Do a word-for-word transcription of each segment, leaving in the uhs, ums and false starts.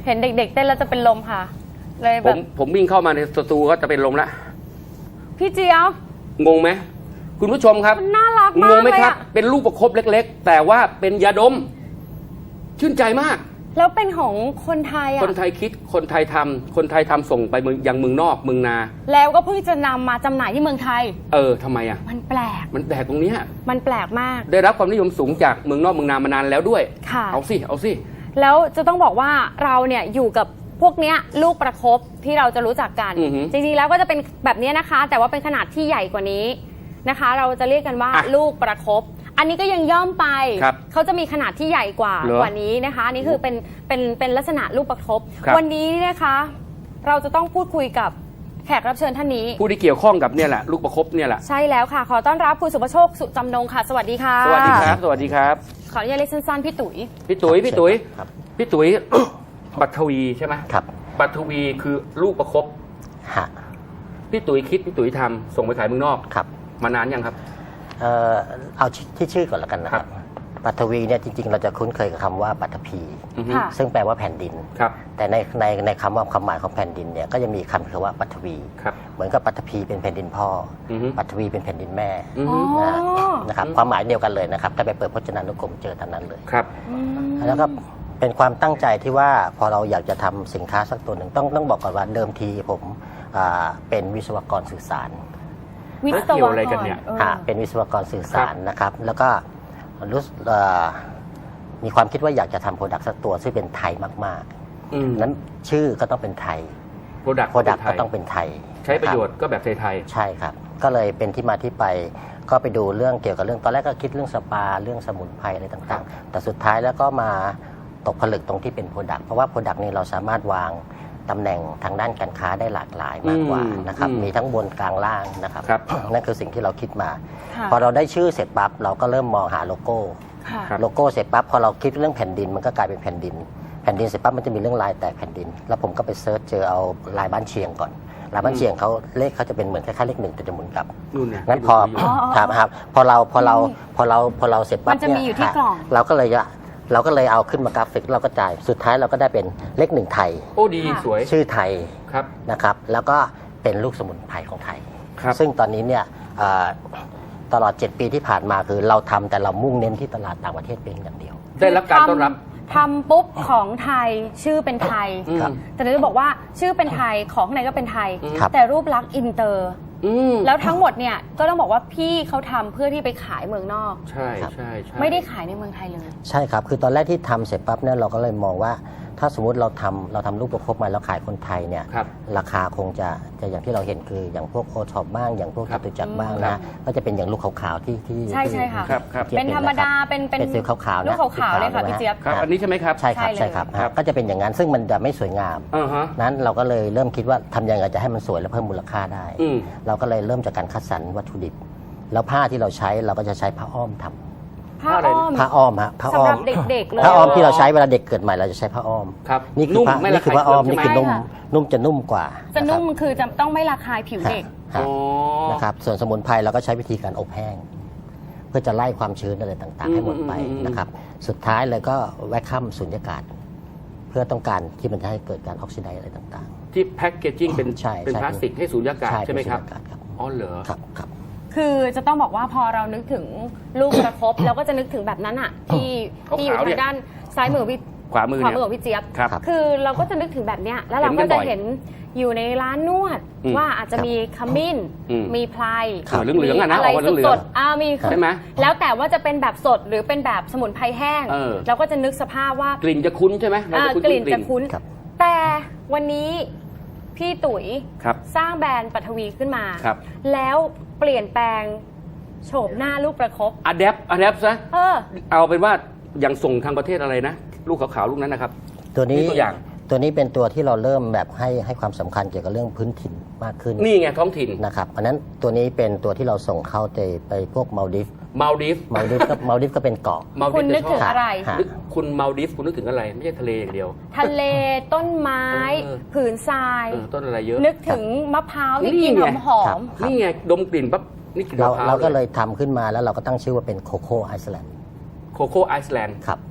เห็นเด็กๆเต้นแล้วจะเป็นลมค่ะเลยผแบมบผมวิ่งเข้ามาในสตูก็จะเป็นลมละพี่เจี๊ยบงงไหมคุณผู้ชมครับมันน่ารักงมากงไหมเลยครับอะเป็นลูกประคบเล็กๆ แต่ว่าเป็นยาดม ชื่นใจมากแล้วเป็นของคนไทยคนอ่ะไทยคิดคนไทยทำคนไทยทำส่งไปเมืองยังเมืองนอกเมืองนาแล้วก็เพิ่งจะนำมาจำหน่ายที่เมืองไทยเออทำไมอ่ะมันแปลกมันแปลกตรงเนี้ยมันแปลกมากได้รับความนิยมสูงจากเมืองนอกเมืองนามานานแล้วด้วยค่ะเอาสิเอาสิแล้วจะต้องบอกว่าเราเนี่ยอยู่กับพวกเนี้ยลูกประคบที่เราจะรู้จักกันอือหือจริงๆแล้วก็จะเป็นแบบนี้นะคะ แต่ว่าเป็นขนาดที่ใหญ่กว่านี้นะคะ เราจะเรียกกันว่าอ่ะลูกประคบ อันนี้ก็ยังย่อมไปครับเขาจะมีขนาดที่ใหญ่กว่าเหรอกว่านี้นะคะอันนี่คือเป็นเป็นเป็นลักษณะลูกประคบครับวันนี้นะคะ เราจะต้องพูดคุยกับแขกรับเชิญท่านนี้ผู้ที่เกี่ยวข้องกับเนี่ยแหละลูกประคบเนี่ยแหละใช่แล้วค่ะ ขอต้อนรับคุณสุภโชคสุจำนงค่ะ สวัสดีค่ะสวัสดีครับ สวัสดีครับขออนุญาตเรียกสั้นๆพี่ตุ๋ยพี่ตุ๋ยพี่ตุ๋ยครับพี่ตุ๋ย ปัทวีใช่ไหมครับปัทวีคือลูกประคบฮะพี่ตุ๋ยคิดพี่ตุ๋ยทำส่งไปขายเมืองนอกครับมานานยังครับเอ่อเอาที่ชื่อก่อนแล้วกันนะครับ ปัทวีเนี่ยจริงๆ เราจะคุ้นเคยกับคำว่าปัทภีอือฮึค่ะซึ่งแปลว่าแผ่นดินครับแต่ในในในคำว่าความหมายของแผ่นดินเนี่ยก็จะมีคำคือว่าปัทวีครับเหมือนกับปัทภีเป็นแผ่นดินพ่อออฮึปัทวีเป็นแผ่นดินแม่อืออ๋ฮึอนะนะครับความหมายเดียวกันเลยนะครับถ้าไปเปิดพจนานุกรมเจอตามนั้นเลยครับอืมแล้วก็เป็นความตั้งใจที่ว่าพอเราอยากจะทำสินค้าสักตัวหนึ่งต้องต้องบอกก่อนว่าเดิมทีผมอ่าเป็นวิศวกรสื่อสารวิศเกี่ยววอะไรกกันรเนี่ยออค่ะเป็นวิศวกรสื่อสารนะครับ แล้วก็รู้สึกเอ่อมีความคิดว่าอยากจะทำโปรดักต์สักตัวซึ่งเป็นไทยมากอืมๆนั้นชื่อก็ต้องเป็นไทยโปรดักต์โปรดักต์ก็ต้องเป็นไทยใช้ประโยชนน์ก็แบบไทยคบใช่ครับ ก็เลยเป็นที่มาที่ไปก็ไปดูเรื่องเกี่ยวกับเรื่องตอนแรกก็คิดเรื่องสปาเรื่องสมุนไพรอะไรครัต่างบๆ แต่สุดท้ายแล้วก็มาตกผลึกตรงที่เป็นโปรดักต์เพราะว่าโปรดักต์นี้เราสามารถวางตำแหน่งทางด้านการค้าได้หลากหลายมากกว่านะครับมีทั้งบนกลางล่างนะครับครับนั่นคือสิ่งที่เราคิดมาค่ะพอเราได้ชื่อเสร็จปั๊บเราก็เริ่มมองหาโลโก้ค่ะครับโลโก้เสร็จปั๊บพอเราคิดเรื่องแผ่นดินมันก็กลายเป็นแผ่นดิน แผ่นดินเสร็จปั๊บมันจะมีเรื่องลายแตกแผ่นดิน แล้วผมก็ไปเซิร์ชเจอเอาลายบ้านเชียงก่อนลายบ้านเชียงเขาเลขเขาจะเป็นเหมือนคล้ายๆเลขหนึ่งแต่จะหมุนกลับๆนู่นเนี่ยงั้นพอที่ดูอยู่ครับครับพอเราพอเราพอเราพอเราเสร็จปั๊บมันจะมีอยู่ที่ฮกล่องเราก็เลยจะเราก็เลยเอาขึ้นมากราฟิกเราก็จ่ายสุดท้ายเราก็ได้เป็นเลขหนึ่งไทยโอ้ดีสวยชื่อไทยครับนะครับแล้วก็เป็นลูกสมุนไพรของไทยครับซึ่งตอนนี้เนี่ยเอ่อตลอดเจ็ดปีที่ผ่านมาคือเราทำแต่เรามุ่งเน้นที่ตลาดต่างประเทศเพียงอย่างเดียวได้รับการต้อนรับทำปุ๊บของไทยชื่อเป็นไทยอืมครับแต่เราจะบอกว่าชื่อเป็นไทยของข้างในก็เป็นไทยครับแต่รูปลักษณ์อินเตอร์อืมแล้วทั้งหมดเนี่ยก็ต้องบอกว่าพี่เขาทำเพื่อที่ไปขายเมืองนอกใช่ใช่ใช่ไม่ได้ขายในเมืองไทยเลยใช่ครับ คือตอนแรกที่ทำเสร็จปั๊บเนี่ยเราก็เลยมองว่า ถ้าสมมติเราทำเราทำลูกประคบมาแล้วขายคนไทยเนี่ยครับราคาคงจะจะอย่างที่เราเห็นคืออย่างพวกโอท็อปบ้างอย่างพวกครัจบตุจักรบ้างครันะบก็จะเป็นอย่างลูกขาวๆที่ที่ใช่ใช่ค่ะครับครับที่เป็นธรรมดาเป็นเป็นเป็นสีขาวๆนะลูกขาวๆเลยค่ะพี่เจี๊ยบครับ อันนี้ใช่ไหมครับใช่ครับใช่เลยใช่ครับครับก็จะเป็นอย่างนั้นซึ่งมันจะไม่สวยงามอ่าฮะนั้นเราก็เลยเริ่มคิดว่าทำยังไงจะให้มันสวยและเพิ่มมูลค่าได้อืมเราก็เลยเริ่มจากการคัดสรรวัตถุดิบ แล้วผ้าที่เราใช้เราก็จะใช้ผ้าอ้อมทำผ้าอ้อมผ้าอ้อมฮะผ้าอ้สำอหรัมบเด็กๆเลยผ้าอ้อมที่เราใช้เวลาเด็กเกิดใหม่เราจะใช้ผ้าอ้อมครับนี่คือนุ่มผ้าไม่นี่ระคือคายผ้าอ้อมเคืนี่องคือใช่ไหมนุ่มนุ่มจะนุ่มกว่าจะนุ่มนะครับคือจะต้องไม่ระคายผิวเด็กฮะอ๋อนะครับส่วนสมุนไพรเราก็ใช้วิธีการอบแห้ง เพื่อจะไล่ความชื้นอะไรต่างๆ ให้หมดไปอืมอืมอืมนะครับสุดท้ายเลยก็แวคคัมสุญญากาศ เพื่อต้องการที่มันจะให้เกิดการออกซิไดซ์อะไรต่างที่แพ็กเกจจิ้งเป็นใช่เป็นใช่พลาสติกให้สูญญากาศใช่ใช่ไหมครับเป็นสูญญากาศครับอ๋อเหรอๆครับครับคือจะต้องบอกว่าพอเรานึกถึงลูกประคบเราก็จะนึกถึงแบบนั้นอะที่ขาวๆที่อยู่เนี่ทาย งด้านซ้ายมือพี่ขวามือขวาเนี่ยมือของพี่เจี๊ยบครับคือเราก็จะนึกถึงแบบเนี้ยแล้วเราเห็นกัก็นบ่จะอยเห็นอยู่ในร้านนวดอืมว่าอาจจะมีขมิ้นอืมมีไพรครับเหลืองๆอะนะอะไรออกมาเหลืองๆสดๆอ่ามีใช่ไหมแล้วแต่ว่าจะเป็นแบบสดหรือเป็นแบบสมุนไพรแห้งเออเราก็จะนึกสภาพว่ากลิ่นจะคุ้นใช่ไหมเราอ่าจะคุ้นกลิ่นจะคุ้นครับแต่วันนี้พี่ตุ๋ยครับสร้างแบรนด์ปัทวีขึ้นมาครับแล้วเปลี่ยนแปลงโฉมหน้าลูกประคบอะแดปอะแดปซะเออเอาเป็นว่าอย่างส่งทางประเทศอะไรนะ ลูกขาวๆลูกนั้นนะครับตัวนี้นี่ตัวอย่างตัวนี้เป็นตัวที่เราเริ่มแบบให้ให้ความสำคัญเกี่ยวกับเรื่องพื้นถิ่นมากขึ้นนี่ไงท้องถิ่นนะครับเพราะฉะนั้นตัวนี้เป็นตัวที่เราส่งเข้าไปไปพวกมาลดิฟมาลดิฟมาลดิฟก็มาลดิฟก็เป็นเกาะมาลคุดิณฟนึกถึงจะชอบอะไรฮะนึกคุณมาลดิฟคุณนึกถึงอะไร ไม่ใช่ทะเลอย่างเดียวทะเลต้นไม้เออผืนทรายเออต้นอะไรเยอะนึกถึงมะพร้าวที่นี่กลินไงหอมครับนี่ไงดมกลิ่นปั๊บนี่กลิ่นเรามะพร้าวเราก็เลยทำขึ้นมาแล้วเราก็ตั้งชื่อว่าเป็นโคโค่ไอซ์แลนด์โคโค่ไอซ์แลนด์ครับ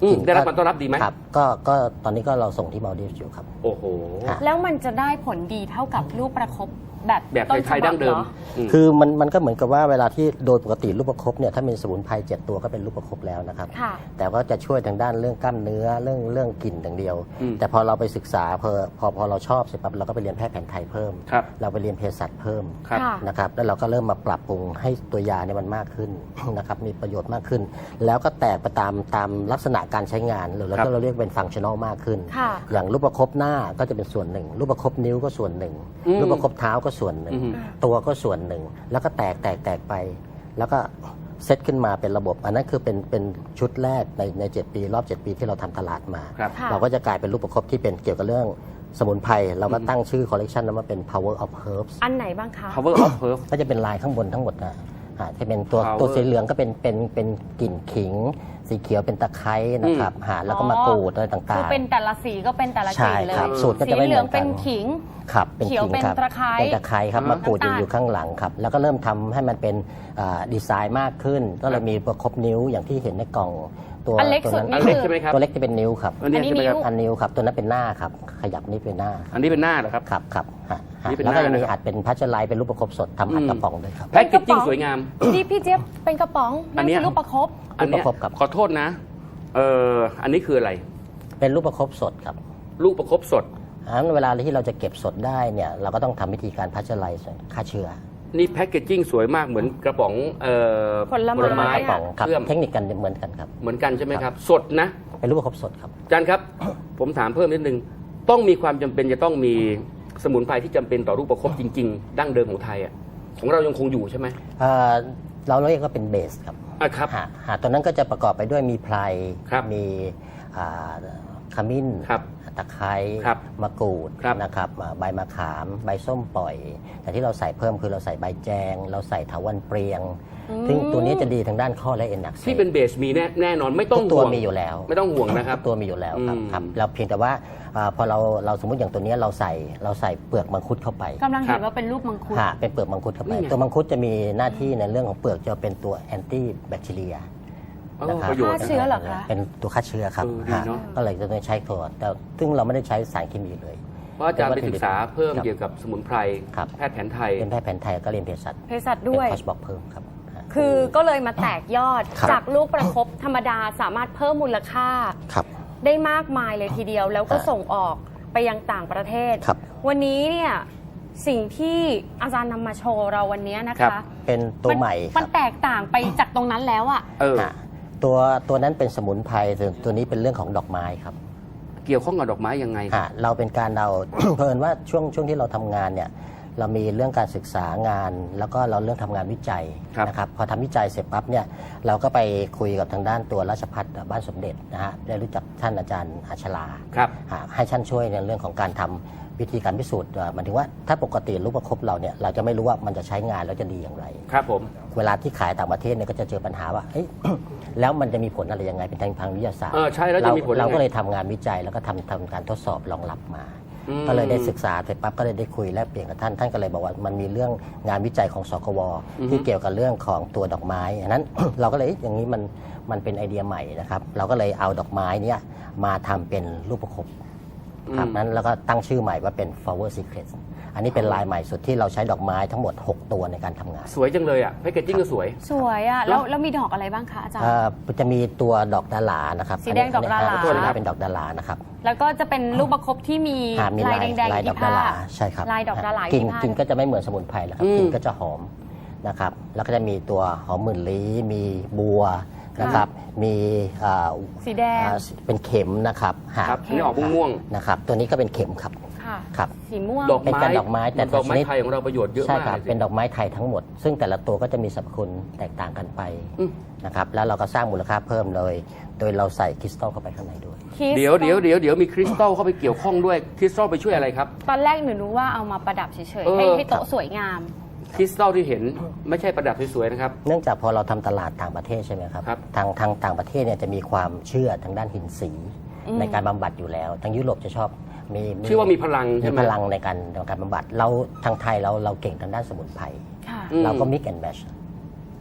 อืมจริงได้รับการต้อนรับดีไหมครับก็ก็ตอนนี้ก็เราส่งที่มาลดีฟส์อยู่ครับโอ้โหค่ะแล้วมันจะได้ผลดีเท่ากับลูกประคบแบบแบบต้นไทฉยๆบัดั้บงเดิเหรมออืมคือมันมันก็เหมือนกับว่าเวลาที่โดยปกติลูกประคบเนี่ยถ้ามีสมุนไพรเจ็ดตัวก็เป็นลูกประคบแล้วนะครับค่ะแต่ว่าจะช่วยทางด้านเรื่องกล้ามเนื้อเรื่องเรื่องกลิ่นอย่างเดียวอืมแต่พอเราไปศึกษาพอพอพอเราชอบเสร็จปั๊บเราก็ไปเรียนแพทย์แผนไทยเพิ่มครับเราไปเรียนเภสัชเพิ่มครับค่ะนะครับแล้วเราก็เริ่มมาปรับปรุงให้ตัวยาเนี่ยมันมากขึ้น นะครับมีประโยชน์มากขึ้น แล้วก็แตกไปตามตามลักษณะการใช้งานหรือแล้วครัก็บเราเรียกเป็นฟังชั่นอลมากขึ้นค่ะอย่างรูปประคบหน้าก็จะเป็นส่วนหนึ่ง รูปประคบนิ้วก็ส่วนหนึ่งอืมรูปประคบเท้าก็ส่วนหนึ่งอืมตัวก็ส่วนหนึ่ง แล้วก็แตกแตกแตกไป แล้วก็เซตขึ้นมาเป็นระบบ อันนั้นคือเป็นเป็นชุดแรกในในเจ็ดปีรอบเจ็ดปีที่เราทำตลาดมาครับค่ะเราก็จะกลายเป็นรูปประคบที่เป็นเกี่ยวกับเรื่องสมุนไพรเราก็ตั้งชื่อคอลเลกชันนั้นว่าเป็น power of herbs อันไหนบ้างคะ power of herb ก็จะเป็นลายข้างบนทั้งหมดนะอ่าจะเป็นตัว Power ตัวสีเหลืองก็เป็นเป็นเป็นกลิ่นขิง สีเขียวเป็นตะไคร้นะครับหาแล้วก็มะกรูดอะไรต่างๆคือเป็นแต่ละสีก็เป็นแต่ละกลิ่นเลยใช่ครับสูตรก็สีจะไม่เหเหลืมืออง นกันเป็นขิงครับเป็นเขียวขิงเป็นครับตะไคร้เป็นตะไคร้ครับอ่ามมะกรูดอยู่น้ำตาลอยู่ข้างหลังครับ แล้วก็เริ่มทำให้มันเป็นอ่าดีไซน์มากขึ้น ก็เลยมีประคบนิ้วอย่างที่เห็นในกล่องตัวอันเล็กตัวสุดนั้นนี่อันเล็กใช่ไหมครับตัวเล็กจะเป็นนิ้วครับอันนี้อันนี้ใช่ไหมครับนิ้วอันนิ้วครับตัวนั้นเป็นหน้าครับขยับนี่เป็นหน้าอันนี้เป็นหน้าเหรอครับครับครับฮะฮะนี่เป็นแล้วก็หน้าจะมีนะครับอัดเป็นพัชไลท์เป็นรูปประคบสดทำอัดอืมกระป๋องด้วยครับแพ็กเกจจิ้งสวยงามที่พี่เจี๊ยบเป็นกระป๋องอันเนี้ยคืลูกประคบอันเนี้ยรูปประคบครับขอโทษนะ เอ่อ อันนี้คืออะไรเป็นรูปประคบสดครับลูกประคบสดอันเวลาที่เราจะเก็บสดได้เนี่ยเราก็ต้องทำวิธีการพัชไลท์ฆ่าเชื้อนี่แพ็กเกจจิ้งสวยมากเหมือนกระป๋องเอ่อผลไม้กระป๋องครับเชื่อมเทคนิคกันเหมือนกันครับเหมือนกันใช่ไหมครับ สดนะเป็นรูปประคบสดครับอาจารย์ครับ ผมถามเพิ่มนิดนึง ต้องมีความจำเป็นจะต้องมีสมุนไพรที่จำเป็นต่อรูปประคบจริง ๆ ดั้งเดิมของไทยอ่ะ ของเรายังคงอยู่ใช่ไหมเอ่อเราเรียกว่าเป็นเบสครับอ่ะครับหาหาตัวนั้นก็จะประกอบไปด้วยมีไพรครับมีอ่าขมิ้นครับตะไคร้ครับมะกรูดครับนะครับอ่าใบมะขาม ใบส้มปล่อย แต่ที่เราใส่เพิ่มคือเราใส่ใบแจง เราใส่ถาวันเปรียง ซึ่งตัวนี้จะดีทางด้านข้อและเอ็นอักเสบที่เป็นเบสมีแน่แน่นอนไม่ต้องทุกตัวห่วงมีอยู่แล้วไม่ต้องห่วงนะครับทุกตัวมีอยู่แล้วครับอืมครับเราเพียงแต่ว่าอาพอเราเราสมมติอย่างตัวเนี้ยเราใส่เราใส่เปลือกมังคุดเข้าไปกำลังครัเห็บนว่าเป็นรูปมังคุดค่ะเป็นเปลือกมังคุดเข้าไปนี่ไงตัวมังคุดจะมีหน้าที่ในเรื่องของเปลือกจะเป็นตัวแอนตี้แบคทีเรียเออนะครับประโยชน์ฆ่าเชื้อเหรอคะเป็นตัวฆ่าเชื้อครับเออดีเนอะฮะก็เลยจะต้องใช้ตัวแต่ซึ่งเราไม่ได้ใช้สารเคมีเลยเพราะอาจารย์ไปศึกษาเพิ่มครับเกี่ยวกับสมุนไพรครับแพทย์แผนไทยเป็นแพทย์แผนไทยก็เรียนเภสัชเภสัชเป็นด้วยคอร์สบอกเพิ่มครับฮะคือก็เลยมาแตกยอดครับจากลูกประคบธรรมดาสามารถเพิ่มมูลค่าครับได้มากมายเลยทีเดียว แล้วก็ฮะส่งออกไปยังต่างประเทศครับวันนี้เนี่ยสิ่งที่อาจารย์นำมาโชว์เราวันนี้นะครัคะบเป็นตัวใหม่คมัรันบแตกต่างไปจากตรงนั้นแล้วอะเออฮะตัวตัวนั้นเป็นสมุนไพรส่วนตัวนี้เป็นเรื่องของดอกไม้ครับเกี่ยวข้องกับดอกไม้ยังไงฮะเราเป็นการเรา เพิ่นว่าช่วงช่วงที่เราทำงานเนี่ยเรามีเรื่องการศึกษางาน แล้วก็เราเรื่องทำงานวิจัยครับนะครับพอทำวิจัยเสร็จปั๊บเนี่ยเราก็ไปคุยกับทางด้านตัวราชภัฏบ้านสมเด็จนะฮะได้รู้จักท่านอาจารย์อาชลาครับฮะให้ท่านช่วยในเรื่องของการทำวิธีการพิสูจน์เอ่อหมายถึงว่าถ้าปกติรูปประคบเราเนี่ยเราจะไม่รู้ว่ามันจะใช้งานแล้วจะดีอย่างไรครับผมเวลาที่ขายต่างประเทศเนี่ยก็จะเจอปัญหาว่าเอ้ย แล้วมันจะมีผลอะไรยังไงเป็นทางทางวิทยาศาสตร์เออใช่แล้วจะมีผลยังไงเราก็เลยทำงานวิจัยแล้วก็ทำทำการทดสอบรองรับมาอืมก็เลยได้ศึกษาเสร็จปั๊บก็เลยได้คุยแลกเปลี่ยนกับท่านท่านก็เลยบอกว่ามันมีเรื่องงานวิจัยของสกวอือฮึที่เกี่ยวกับเรื่องของตัวดอกไม้อันนั้น เราก็เลยเอ๊ะอย่างนี้มันมันเป็นไอเดียใหม่นะครับเราก็เลยเอาดอกไม้เนี่ยมาทำเป็นรูปประคบครับนั้นแล้วก็ตั้งชื่อใหม่ว่าเป็น flower secret อันนี้เป็นลายใหม่สุดที่เราใช้ดอกไม้ทั้งหมดหกตัวในการทำงานสวยจังเลยอ่ะแพคเกจจิ้งก็สวยสวยอะแล้วแล้วมีดอกอะไรบ้างคะอาจารย์เอ่อจะมีตัวดอกดารานะครับสีแดงดอกดารานนี้ตัวนี้เป็นดอกดารานะครับแล้วก็จะเป็นลูกประคบที่มีอ่ามีลายแดงๆลาอย ยู่ดที่อกดาผ้าราใช่ครับลายดอกดารากลิ่นที่ผ้ากลิ่นก็จะไม่เหมือนสมุนไพรแล้วครับอืมกลิ่นก็จะหอมนะครับแล้วก็จะมีตัวหอมหมื่นลี้มีบัวนะครับมีอ่าสีแดงอ่าเป็นเข็มนะครับหาครับอันนี้ออกม่วงนะครับตัวนี้ก็เป็นเข็มครับค่ะครับสีม่วงๆดอกเป็นไม้การดอกไม้แต่ดอกไม้ชนิดไทยของเราประโยชน์เยอะใช่มากครับเลยสิเป็นดอกไม้ไทยทั้งหมด ซึ่งแต่ละตัวก็จะมีสรรพคุณแตกต่างกันไปอืมนะครับแล้วเราก็สร้างมูลค่าเพิ่มเลย โดยเราใส่คริสตัลเข้าไปข้างในด้วยคิสเดี๋ยวเดี๋ยวเดี๋ยวเดี๋ยวมีคริสตัลเข้าไปเกี่ยวข้องด้วยคริสตัลไปช่วยอะไรครับตอนแรกหนูนึกว่าเอามาประดับเฉยเอๆอให้ให้โต๊ะสวยงามคริสตัลที่เห็นไม่ใช่ประดับสวยๆนะครับเนื่องจากพอเราทำตลาดต่างประเทศใช่ไหมครับครับทางทางต่างประเทศเนี่ยจะมีความเชื่อทางด้านหินสีอืมในการบำบัดอยู่แล้ว ทางยุโรปจะชอบมีชื่อว่ามีพลังมีใช่ไหมพลังในการในการบำบัดเราทางไทยเราเราเก่งทางด้านสมุนไพรค่ะอืมเราก็ mix and match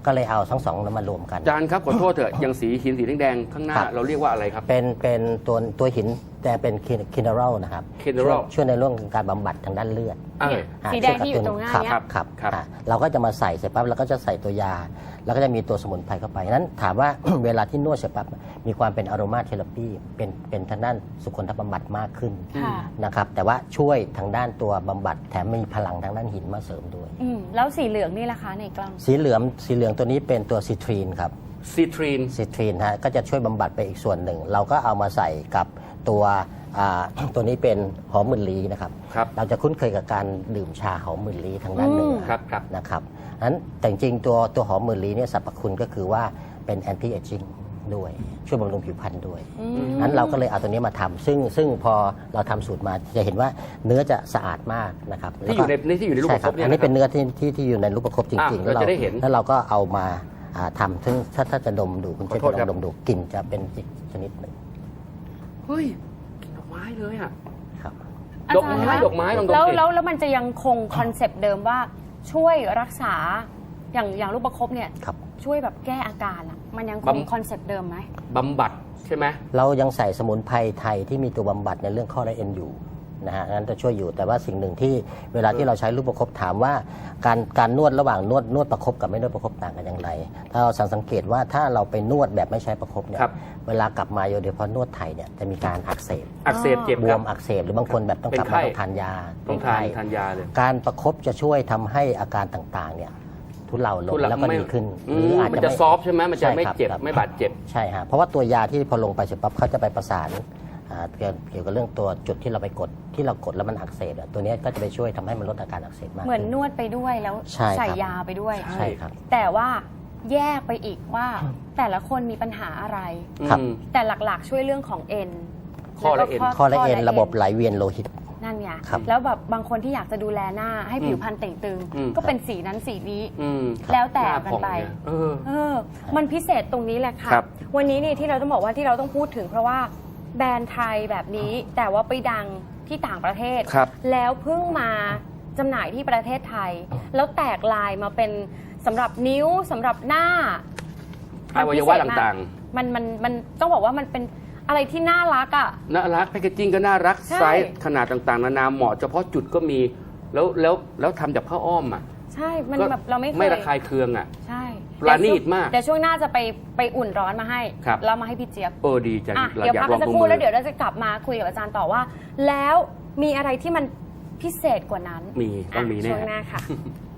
ก็เลยเอาทั้งสองนั้นมารวมกันอาจารย์ครับขอโทษเถอะอย่างสีหินสีแดงๆข้างหน้าครับเราเรียกว่าอะไรครับเป็นเป็นตัวตัวหินแต่เป็นคินเนอรัลนะครับ mineral ช่วยช่วยในเรื่องการบำบัดทางด้านเลือดเอออ่าสีแดงที่อยู่ตรงหน้าครับเนี่ยครับครับครับอ่าเราก็จะมาใส่เสร็จปั๊บเราก็จะใส่ตัวยา แล้วก็จะมีตัวสมุนไพรเข้าไปนั้นถามว่า เวลาที่นวดเสร็จปั๊บมีความเป็นอโรมาเทเลปีเป็นเป็นทางด้านสุขนทบำบัดมากขึ้นค่ะนะครับแต่ว่าช่วยทางด้านตัวบำบัดแถมมีพลังทางด้านหินมาเสริมด้วยอืมแล้วสีเหลืองนี่ล่ะคะในกล้องสีเหลืองสีเหลืองตัวนี้เป็นตัวซิตรีนครับซีทรีนซิตรีนฮะก็จะช่วยบำบัดไปอีกส่วนหนึ่ง เราก็เอามาใส่กับตัวอ่า ตัวนี้เป็นหอมหมื่นลี้นะครับครับเราจะคุ้นเคยกับการดื่มชาหอมหมื่นลี้ทางด้านเหนือครับครับนะครับนั้นแต่จริงๆตัวตัวหอมหมื่นลี้เนี่ยสรรพคุณก็คือว่าเป็นแอนตี้เอจจิ้งด้วย ช่วยบำรุงผิวพรรณด้วยอืมนั้นเราก็เลยเอาตัวนี้มาทำซึ่งซึ่งพอเราทำสูตรมาจะเห็นว่าเนื้อจะสะอาดมากนะครับที่อยู่ในนี่ที่อยู่ในรูปใช่ประคครับ บเนี่ยอันนี้นะคเป็รับนเนื้อที่ที่ที่อยู่ในรูปประคบจริงๆอ่ะเราจะได้เห็นแล้วเราก็เอามาอ่าทำซึ่งถ้าถ้าจะดมดูคุณขอเจะโทษครับลองดมดูกลิ่นจะเป็นอีกชนิดหนึ่งเฮ้ยกลิ่นดอกไม้เลยอ่ะครับดอกไม้าจารย์คะดอกไม้ลองดมแล้วสิแล้วแล้วมันจะยังคงคอนเซปต์เดิมว่าช่วยรักษาอย่างอย่างลูกประคบเนี่ยครับช่วยแบบแก้อาการอะมันยังคงคอนเซปต์เดิมไหมบำบัดใช่ไหมเรายังใส่สมุนไพรไทยที่มีตัวบำบัดในเรื่องข้อและเอ็นอยู่นะฮะนั้นจะช่วยอยู่แต่ว่าสิ่งหนึ่งที่เวลาที่เราใช้ลูกประคบถามว่าการการนวดระหว่างนวดนวดประคบกับไม่นวดประคบต่างกันอย่างไร ถ้าเราสังเกตว่าถ้าเราไปนวดแบบไม่ใช้ประคบเนี่ยครับเวลากลับมาโดยเฉพาะนวดไทยเนี่ยจะมีการอักเสบอักเสบเจ็บบ ครัวบมอักเสบหรือบางคนแบบต้องเป็นกลับไข้มาต้องทานยาต้องทานเป็ไข้ทานยาเลยการประคบจะช่วยทำให้อาการต่างๆเนี่ยทุเลาลงทุเลาแล้วก็ไม่ดีขึ้นอืมมันจะไม่ซอฟต์ใช่ไหมมันจะใช่ไม่ครับเจ็บครับไม่บาดเจ็บใช่ฮะเพราะว่าตัวยาที่พอลงไปเสร็จปั๊บเขาจะไปประสานอ่าเกี่ยวเกี่ยวกับเรื่องตัวจุดที่เราไปกดที่เรากดแล้วมันอักเสบอะตัวเนี้ยก็จะไปช่วยทำให้มันลดอาการอักเสบมากเหมือนขึ้นวดไปด้วยแล้วใช่ครับใส่ยาไปด้วยใช่ครับแต่ว่าแยกไปอีกว่าแต่ละคนมีปัญหาอะไรครับอืมแต่หลักๆช่วยเรื่องของเอ็นข้อและเอ็นข้อและเอ็นระบบไหลเวียนโลหิตนั่นไงครับแล้วแบบบางคนที่อยากจะดูแลหน้าให้ผิวพรรณเต่งตึงอืมก็เป็นสีนั้นสีนี้อืมแล้วแต่หากันผ่องไปเยเออเออ มันพิเศษตรงนี้แหละค่ะครับวันนี้นี่ที่เราต้องบอกว่าที่เราต้องพูดถึงเพราะว่าแบรนด์ไทยแบบนี้ แต่ว่าไปดังที่ต่างประเทศครับแล้วเพิ่งมาจำหน่ายที่ประเทศไทย แล้วแตกลายมาเป็นสำหรับนิ้วสำหรับหน้าอวัยวะต่างๆมันมันมันต้องบอกว่ามันเป็นอะไรที่น่ารักอ่ะๆน่ารักแพคเกจิ้งก็น่ารักใช่ไซส์ขนาดต่างๆ นานาเหมาะเฉพาะจุดก็มี แล้วแล้วแล้วทำจากผ้าอ้อมอ่ะใช่มันก็แบบเราไม่เคยไม่ระคายเคืองอ่ะใช่ปราณีตมากเดี๋ยวช่วงหน้าจะไปไปอุ่นร้อนมาให้ครับแล้วมาให้พี่เจี๊ยบเออดีจังอ่ะเราเดี๋ยวอยาพักกลกัอน งสักดูครู่มือแล้วเดี๋ยวเราจะกลับมาคุยกับอาจารย์ต่อว่า แล้วมีอะไรที่มันพิเศษกว่านั้นมีต้องมีแน่ช่วงหน้าค่ะ